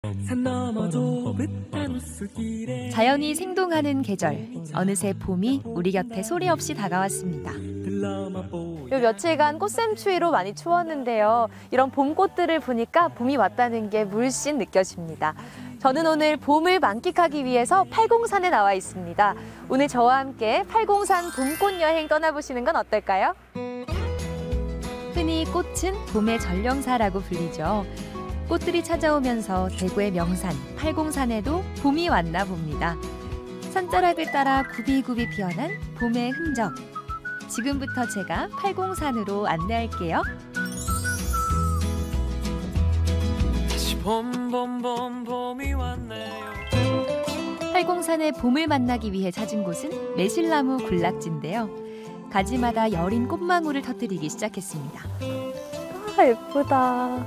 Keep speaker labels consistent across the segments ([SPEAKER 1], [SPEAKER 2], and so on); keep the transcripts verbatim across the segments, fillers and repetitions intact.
[SPEAKER 1] 자연이 생동하는 계절. 어느새 봄이 우리 곁에 소리 없이 다가왔습니다.
[SPEAKER 2] 요 며칠간 꽃샘추위로 많이 추웠는데요. 이런 봄꽃들을 보니까 봄이 왔다는 게 물씬 느껴집니다. 저는 오늘 봄을 만끽하기 위해서 팔공산에 나와 있습니다. 오늘 저와 함께 팔공산 봄꽃 여행 떠나보시는 건 어떨까요?
[SPEAKER 1] 흔히 꽃은 봄의 전령사라고 불리죠. 꽃들이 찾아오면서 대구의 명산 팔공산에도 봄이 왔나 봅니다. 산자락을 따라 굽이굽이 피어난 봄의 흔적. 지금부터 제가 팔공산으로 안내할게요.
[SPEAKER 3] 다시 봄, 봄, 봄, 봄이 왔네요.
[SPEAKER 1] 팔공산의 봄을 만나기 위해 찾은 곳은 매실나무 군락지인데요. 가지마다 여린 꽃망울을 터뜨리기 시작했습니다.
[SPEAKER 2] 아, 예쁘다.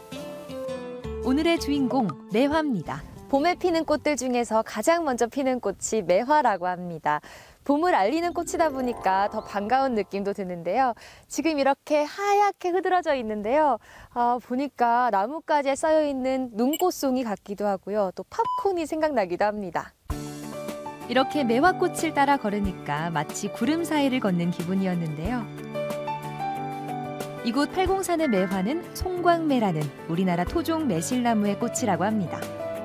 [SPEAKER 1] 오늘의 주인공 매화입니다.
[SPEAKER 2] 봄에 피는 꽃들 중에서 가장 먼저 피는 꽃이 매화라고 합니다. 봄을 알리는 꽃이다 보니까 더 반가운 느낌도 드는데요. 지금 이렇게 하얗게 흐드러져 있는데요. 아, 보니까 나뭇가지에 쌓여있는 눈꽃송이 같기도 하고요. 또 팝콘이 생각나기도 합니다.
[SPEAKER 1] 이렇게 매화꽃을 따라 걸으니까 마치 구름 사이를 걷는 기분이었는데요. 이곳 팔공산의 매화는 송광매라는 우리나라 토종 매실나무의 꽃이라고 합니다.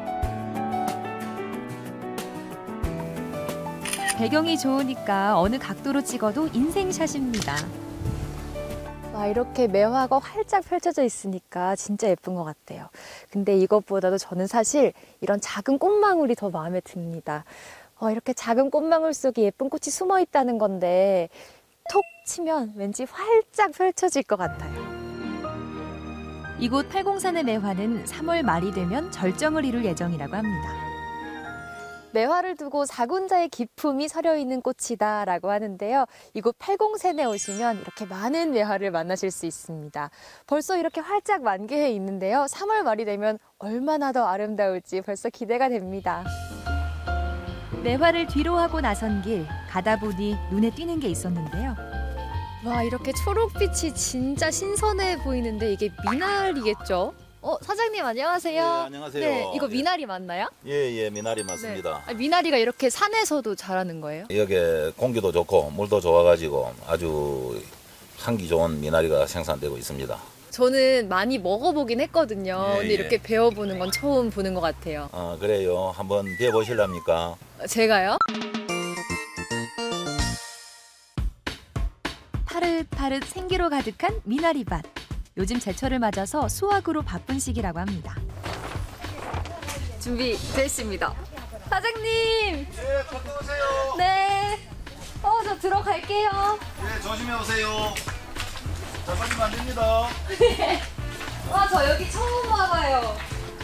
[SPEAKER 1] 배경이 좋으니까 어느 각도로 찍어도 인생샷입니다.
[SPEAKER 2] 와, 이렇게 매화가 활짝 펼쳐져 있으니까 진짜 예쁜 것 같아요. 근데 이것보다도 저는 사실 이런 작은 꽃망울이 더 마음에 듭니다. 어, 이렇게 작은 꽃망울 속에 예쁜 꽃이 숨어 있다는 건데 톡 치면 왠지 활짝 펼쳐질 것 같아요.
[SPEAKER 1] 이곳 팔공산의 매화는 삼월 말이 되면 절정을 이룰 예정이라고 합니다.
[SPEAKER 2] 매화를 두고 사군자의 기품이 서려있는 꽃이다라고 하는데요. 이곳 팔공산에 오시면 이렇게 많은 매화를 만나실 수 있습니다. 벌써 이렇게 활짝 만개해 있는데요. 삼월 말이 되면 얼마나 더 아름다울지 벌써 기대가 됩니다.
[SPEAKER 1] 매화를 뒤로 하고 나선 길, 가다 보니 눈에 띄는 게 있었는데요.
[SPEAKER 2] 와, 이렇게 초록빛이 진짜 신선해 보이는데 이게 미나리겠죠? 어, 사장님 안녕하세요.
[SPEAKER 4] 예, 안녕하세요.
[SPEAKER 2] 네, 이거
[SPEAKER 4] 예.
[SPEAKER 2] 미나리 맞나요?
[SPEAKER 4] 예, 예, 미나리 맞습니다.
[SPEAKER 2] 네. 아니, 미나리가 이렇게 산에서도 자라는 거예요?
[SPEAKER 4] 여기 공기도 좋고 물도 좋아가지고 아주 향기 좋은 미나리가 생산되고 있습니다.
[SPEAKER 2] 저는 많이 먹어보긴 했거든요.
[SPEAKER 4] 예,
[SPEAKER 2] 근데
[SPEAKER 4] 예.
[SPEAKER 2] 이렇게 배워보는 건 처음 보는 것 같아요.
[SPEAKER 4] 아, 그래요. 한번 배워보실랍니까?
[SPEAKER 2] 제가요?
[SPEAKER 1] 파릇파릇 생기로 가득한 미나리밭. 요즘 제철을 맞아서 수확으로 바쁜 시기라고 합니다.
[SPEAKER 2] 준비됐습니다. 사장님!
[SPEAKER 4] 예, 갔다 오세요.
[SPEAKER 2] 네. 어, 저 들어갈게요.
[SPEAKER 4] 예, 조심해 오세요. 잡아주면 안 됩니다.
[SPEAKER 2] 와, 저 여기 처음 와봐요.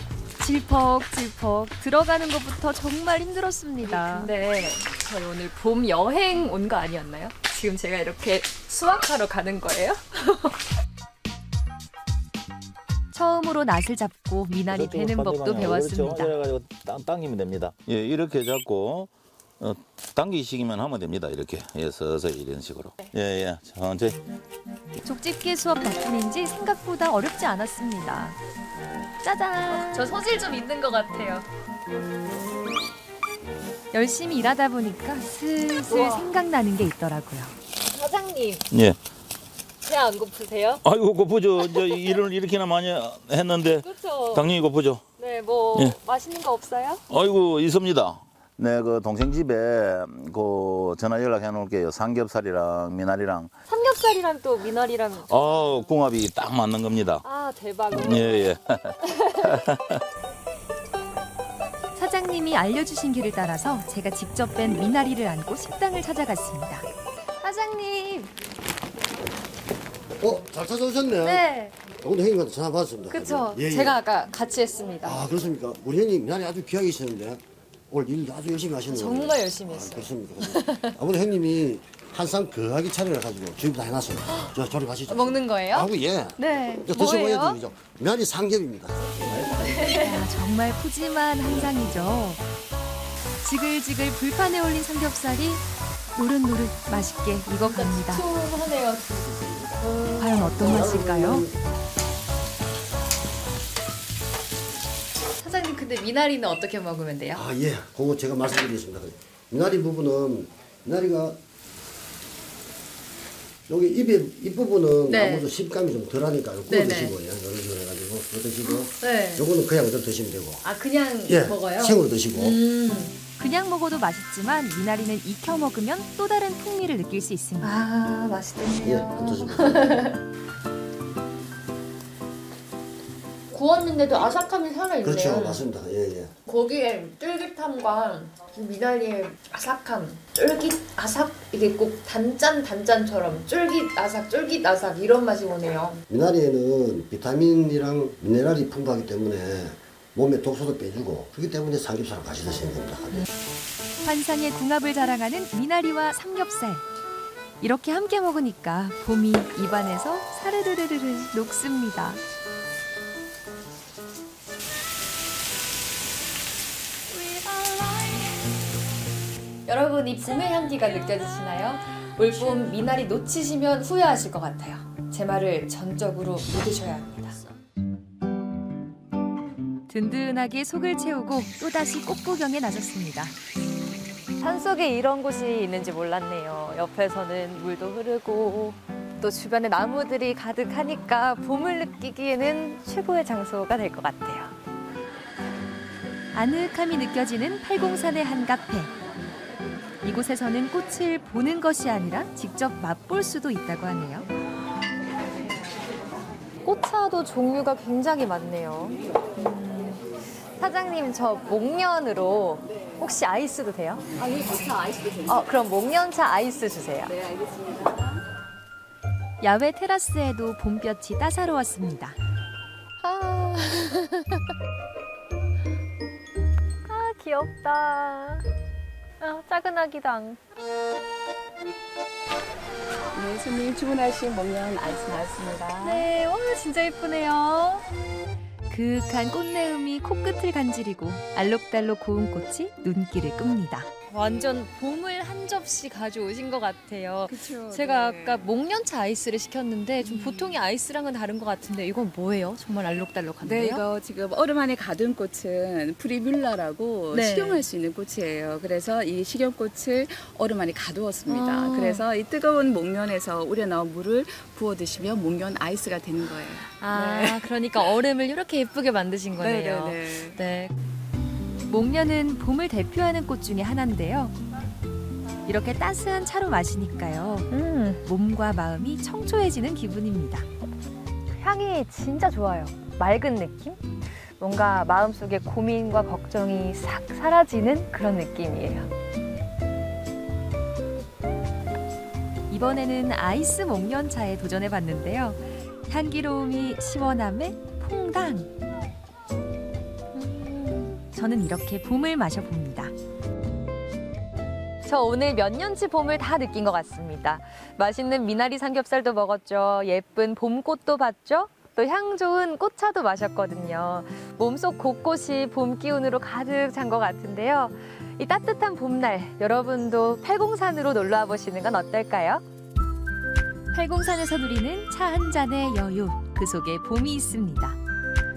[SPEAKER 1] 질퍽질퍽 들어가는 것부터 정말 힘들었습니다.
[SPEAKER 2] 근데 저희 오늘 봄 여행 온 거 아니었나요? 지금 제가 이렇게 수확하러 가는 거예요?
[SPEAKER 1] 처음으로 낫을 잡고 미나리 베는 법도 배웠습니다.
[SPEAKER 4] 그래가지고 당기면 됩니다. 예, 이렇게 잡고 어, 당기시기만 하면 됩니다. 이렇게 예, 서서히 이런 식으로. 예, 예, 천천히.
[SPEAKER 1] 족집게 수업 덕분인지 생각보다 어렵지 않았습니다. 짜잔!
[SPEAKER 2] 저 소질 좀 있는 것 같아요.
[SPEAKER 1] 열심히 일하다 보니까 슬슬
[SPEAKER 2] 우와.
[SPEAKER 1] 생각나는 게 있더라고요.
[SPEAKER 2] 사장님,
[SPEAKER 4] 예.
[SPEAKER 2] 배 안 고프세요?
[SPEAKER 4] 아이고 고프죠. 이제 일을 이렇게나 많이 했는데
[SPEAKER 2] 그렇죠.
[SPEAKER 4] 당연히 고프죠.
[SPEAKER 2] 네, 뭐
[SPEAKER 4] 예.
[SPEAKER 2] 맛있는 거 없어요?
[SPEAKER 4] 아이고 있습니다. 네, 그 동생 집에 그 전화 연락해 놓을게요. 삼겹살이랑 미나리랑.
[SPEAKER 2] 삼겹살이랑 또 미나리랑.
[SPEAKER 4] 아, 궁합이 딱 맞는 겁니다.
[SPEAKER 2] 아, 대박.
[SPEAKER 4] 예, 예.
[SPEAKER 1] 사장님이 알려주신 길을 따라서 제가 직접 뺀 미나리를 안고 식당을 찾아갔습니다.
[SPEAKER 2] 사장님.
[SPEAKER 5] 어, 잘 찾아오셨네.
[SPEAKER 2] 네,
[SPEAKER 5] 오늘 형님한테 전화 받았습니다.
[SPEAKER 2] 그쵸.
[SPEAKER 5] 예, 예.
[SPEAKER 2] 제가 아까 같이 했습니다.
[SPEAKER 5] 아, 그렇습니까? 우리 형님 미나리 아주 귀하게 있었는데 오늘 일 아주 열심히 하시는 거예요.
[SPEAKER 2] 정말 열심히
[SPEAKER 5] 아,
[SPEAKER 2] 했어요.
[SPEAKER 5] 그렇습니까? 그렇습니까? 아무래도 형님이 한상 거하게 차려가지고 준비 다 해놨어요. 저 조립하시죠.
[SPEAKER 2] 먹는 거예요?
[SPEAKER 5] 아우, 예.
[SPEAKER 2] 네.
[SPEAKER 5] 이제 드셔보야
[SPEAKER 2] 뭐예요?
[SPEAKER 5] 되죠. 미나리 삼겹입니다.
[SPEAKER 1] 아, 정말 푸짐한 한상이죠. 지글지글 불판에 올린 삼겹살이 노릇노릇 맛있게 익어갑니다.
[SPEAKER 2] 시원하네요.
[SPEAKER 1] 과연 어떤 맛일까요?
[SPEAKER 2] 사장님
[SPEAKER 1] 근데 미나리는 어떻게 먹으면 돼요?
[SPEAKER 5] 아, 예. 그거 제가 말씀드리겠습니다. 미나리 부분은, 미나리가 여기 입에, 입부분은
[SPEAKER 1] 네.
[SPEAKER 5] 아무래도 식감이 좀 덜하니까 구워
[SPEAKER 1] 네네.
[SPEAKER 5] 드시고, 예. 이런 식으로 해가지고 구워 드시고,
[SPEAKER 1] 네.
[SPEAKER 5] 요거는 그냥 그대로 드시면 되고.
[SPEAKER 1] 아 그냥
[SPEAKER 5] 예.
[SPEAKER 1] 먹어요?
[SPEAKER 5] 생으로 드시고.
[SPEAKER 1] 음.
[SPEAKER 6] 그냥 먹어도 맛있지만 미나리는 익혀 먹으면 또 다른 풍미를 느낄 수 있습니다.
[SPEAKER 1] 아
[SPEAKER 5] 예,
[SPEAKER 1] 맛있겠네요.
[SPEAKER 5] 드시고.
[SPEAKER 2] 구웠는데도 아삭함이 살아있네요.
[SPEAKER 5] 그렇죠. 맞습니다. 예, 예.
[SPEAKER 2] 거기에 쫄깃함과 미나리의 아삭함, 쫄깃 아삭 이게 꼭 단짠 단짠처럼 쫄깃 아삭 쫄깃 아삭 이런 맛이 오네요.
[SPEAKER 5] 미나리에는 비타민이랑 미네랄이 풍부하기 때문에 몸에 독소도 빼주고 그렇기 때문에 삼겹살을 같이 드시면 됩니다.
[SPEAKER 6] 환상의 궁합을 자랑하는 미나리와 삼겹살. 이렇게 함께 먹으니까 봄이 입안에서 사르르르르 녹습니다.
[SPEAKER 2] 여러분 이 봄의 향기가 느껴지시나요? 올봄 미나리 놓치시면 후회하실 것 같아요. 제 말을 전적으로 믿으셔야 합니다.
[SPEAKER 6] 든든하게 속을 채우고 또다시 꽃구경에 나섰습니다.
[SPEAKER 2] 산속에 이런 곳이 있는지 몰랐네요. 옆에서는 물도 흐르고 또 주변에 나무들이 가득하니까 봄을 느끼기에는 최고의 장소가 될 것 같아요.
[SPEAKER 6] 아늑함이 느껴지는 팔공산의 한 카페. 이곳에서는 꽃을 보는 것이 아니라 직접 맛볼 수도 있다고 하네요.
[SPEAKER 2] 꽃차도 종류가 굉장히 많네요. 음, 사장님 저 목련으로 혹시 아이스도 돼요?
[SPEAKER 7] 아, 이 목차 아이스도 됩니다.
[SPEAKER 2] 어, 그럼 목련차 아이스 주세요.
[SPEAKER 7] 네, 알겠습니다.
[SPEAKER 6] 야외 테라스에도 봄볕이 따사로웠습니다.
[SPEAKER 2] 아, 아 귀엽다. 아, 작은 아기당.
[SPEAKER 7] 네, 손님 주문하신 목련 아이스 나왔습니다.
[SPEAKER 2] 네, 와 진짜 예쁘네요.
[SPEAKER 6] 그윽한 꽃내음이 코끝을 간지리고 알록달록 고운 꽃이 눈길을 끕니다.
[SPEAKER 1] 완전 봄을 한 접시 가져오신 것 같아요.
[SPEAKER 7] 그쵸,
[SPEAKER 1] 제가
[SPEAKER 7] 네.
[SPEAKER 1] 아까 목련차 아이스를 시켰는데 좀 보통의 아이스랑은 다른 것 같은데 이건 뭐예요? 정말 알록달록한데요?
[SPEAKER 7] 네, 이거 지금 얼음 안에 가둔 꽃은 프리뮬라라고
[SPEAKER 1] 네.
[SPEAKER 7] 식용할 수 있는 꽃이에요. 그래서 이 식용꽃을 얼음 안에 가두었습니다.
[SPEAKER 1] 아.
[SPEAKER 7] 그래서 이 뜨거운 목련에서 우려 나온 물을 부어 드시면 목련 아이스가 되는 거예요.
[SPEAKER 1] 아,
[SPEAKER 7] 네.
[SPEAKER 1] 그러니까 얼음을 이렇게 예쁘게 만드신 거네요.
[SPEAKER 7] 네, 네, 네.
[SPEAKER 1] 네.
[SPEAKER 6] 목련은 봄을 대표하는 꽃 중에 하나인데요. 이렇게 따스한 차로 마시니까요.
[SPEAKER 2] 음,
[SPEAKER 6] 몸과 마음이 청초해지는 기분입니다.
[SPEAKER 2] 향이 진짜 좋아요. 맑은 느낌? 뭔가 마음속에 고민과 걱정이 싹 사라지는 그런 느낌이에요.
[SPEAKER 6] 이번에는 아이스 목련차에 도전해봤는데요. 향기로움이 시원함에 퐁당. 저는 이렇게 봄을 마셔봅니다.
[SPEAKER 2] 저 오늘 몇 년치 봄을 다 느낀 것 같습니다. 맛있는 미나리 삼겹살도 먹었죠. 예쁜 봄꽃도 봤죠. 또 향 좋은 꽃차도 마셨거든요. 몸속 곳곳이 봄 기운으로 가득 찬 것 같은데요. 이 따뜻한 봄날 여러분도 팔공산으로 놀러와 보시는 건 어떨까요?
[SPEAKER 6] 팔공산에서 누리는 차 한 잔의 여유, 그 속에 봄이 있습니다.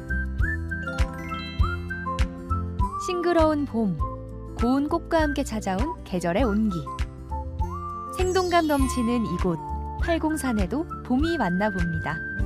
[SPEAKER 6] 싱그러운 봄, 고운 꽃과 함께 찾아온 계절의 온기. 생동감 넘치는 이곳, 팔공산에도 봄이 왔나 봅니다.